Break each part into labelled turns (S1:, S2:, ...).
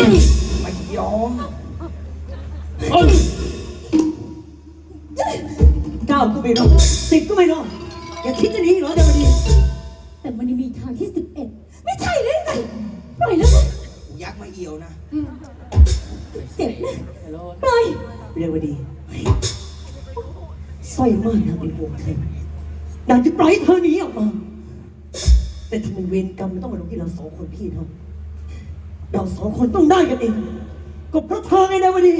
S1: ไม่ยอม
S2: 9ก็ไม่รอด10ก็ไม่รอดอย่าคิดจะหนีเหรอเดี๋ยวนี้
S3: แต่มันยังมีทางที่11ไม่ใช่เลยไงปล่อยแล้วนะ
S1: กูยักมาเอี่ยวนะ
S3: เจ็บนะปล่อย
S2: เรวดีสร้อยม่านนะเป็นห่วงเธออยากจะปล่อยเธอหนีออกมาแต่ทำไมเวรกรรมมันต้องมาลงที่เรา2 คนพี่น้องเรา2 คนต้องได้กันเองก็เพราะเธอไงเรวดี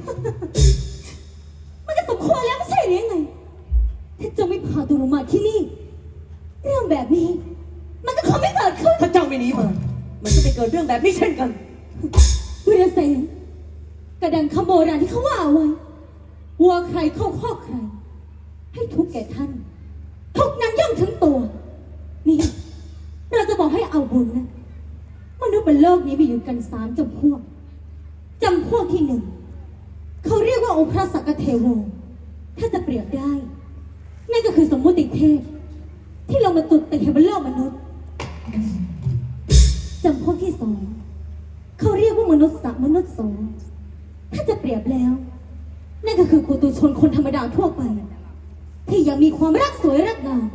S3: มันก็สมควรแล้วไม่ใช่หรือไงถ้าเจ้าไม่พาตัวลงมาที่นี่เรื่องแบบนี้มันก็คงไม่เกิดขึ้น
S2: ถ้าเจ้าไม่หนีมามันจะไม่เกิดเรื่องแบบนี้เช่นกัน
S3: วิรเสนกระดังคำโบราณที่เขาว่าเอาไว้วัวใครเข้าคอกใครให้ทุกแก่ท่านทุกนั้นย่อมถึงตัวนี่เราจะบอกให้เอาบุญนะมนุษย์บนโลกนี้มีอยู่กัน3 จำพวกที่1เขาเรียกว่าองค์พระสักกะเทโวถ้าจะเปรียบได้นั่นก็คือสมมุติเทพที่เรามาตุดติบนโลกมนุษย์จำพวกที่2เขาเรียกว่ามนุษย์สักมนุษย์สงถ้าจะเปรียบแล้วนั่นก็คือปุถุชนคนธรรมดาทั่วไปที่ยังมีความรักสวยรักงาม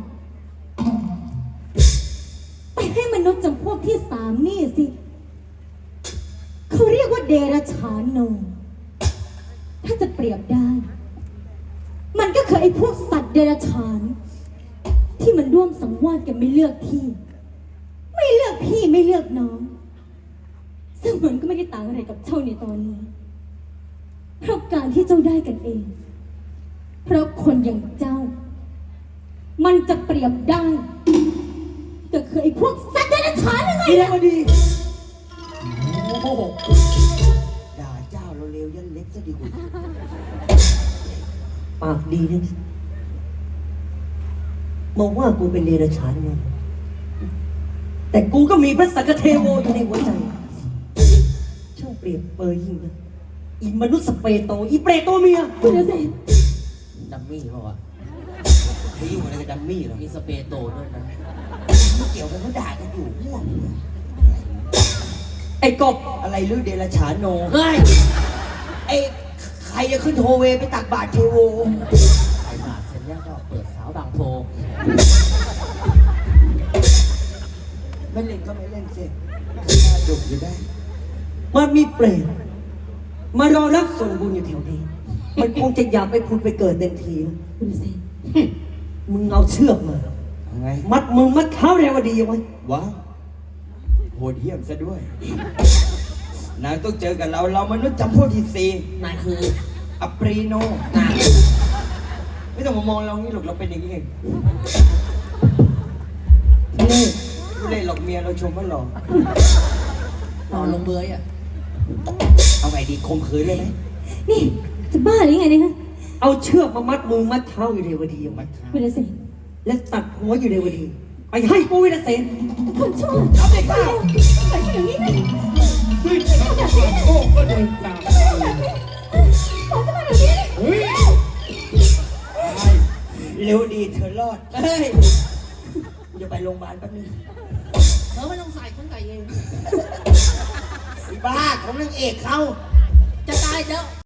S3: ไปให้มนุษย์จำพวกที่3นี่สิเขาเรียกว่าเดรัจฉานโนถ้าจะเปรียบได้มันก็คือไอ้พวกสัตว์เดรัจฉานที่มันร่วมสังวาสกันไม่เลือกที่ไม่เลือกพี่ไม่เลือกน้องซึ่งมันก็ไม่ได้ต่างอะไรกับเจ้าในตอนนี้เพราะการที่เจ้าได้กันเองเพราะคนอย่างเจ้ามันจะเปรียบได้ก็คือไอ้พวกสัตว์เดรัจฉานยังไง
S2: เร็วดี
S1: โอ้โหด่าเจ้าเราเร็วยันเล็กซะดีกว่า
S2: ปากดีนะมองว่ากูเป็นเดรัจฉานไงแต่กูก็มีพระสักกะเทโวอยู่ในหัวใจช่างเปรียบเปรยยิ่งนะอีมนุษย์สเปโตอีเปรโตเมีย
S3: คุณเสน
S1: ดัมมี่เปล่าวะพี่อยู่อะไรกับดัมมี่เหรอมีสเปโตด้วยนะไม่เกี่ยวกันเขาด่ากันอยู่ม่วง
S2: ไอ้กบ
S1: อะไรลือเดรัจฉานโนเฮ้ยไอ้ใครจะขึ้นโทเวไปตักบาตรเทโวใส่บาตรเสร็จแล้วก็เปิดสาวบางโพไม่เล่นก็ไม่เล่นสิดุอยู่ได้
S2: มันมีเปรตมารอรับส่วนบุญอยู่แถวนี้มันคงจะอยากไปพูดไปเกิดเต็มที
S3: คุณเสน
S2: มึงเอาเชือกมามัดมือมัดเท้าเรวดีไว้
S1: ว้าวโหดเหี้ยมซะด้วยนายต้องเจอกับเรามนุษย์จำพวกที่4นายคืออัปรีโนนายไม่ต้องมามองเรางี้หรอกเราเป็นอย่างนี้เองไม่เล่นหรอกเมียเราชมว่าหล่อลงเบยอ่ะเอาไงดีคมขืนเลยไหม
S3: นี่จะบ้าหรือไงเนี่ยฮะ
S2: เอาเชือกมามัดมือมัดเท้าอยู่เรวดีมัดเท้า
S3: วิรเสน
S2: และตัดหัวอยู่เรวดีไปให้กูวิรเสน
S3: คนชั่วเอาไปข้าวไปอย่างนี้นะ
S1: โอ้ก็เดินตาม
S3: ขอจะมาแบบนี้
S1: เร็วดีเธอรอดเฮ้ยจะไปโรงพยาบาลแป๊บนึงไม่ต้องใส่คนใส่เองบ้าของนางเอกเขาจะตายแล้ว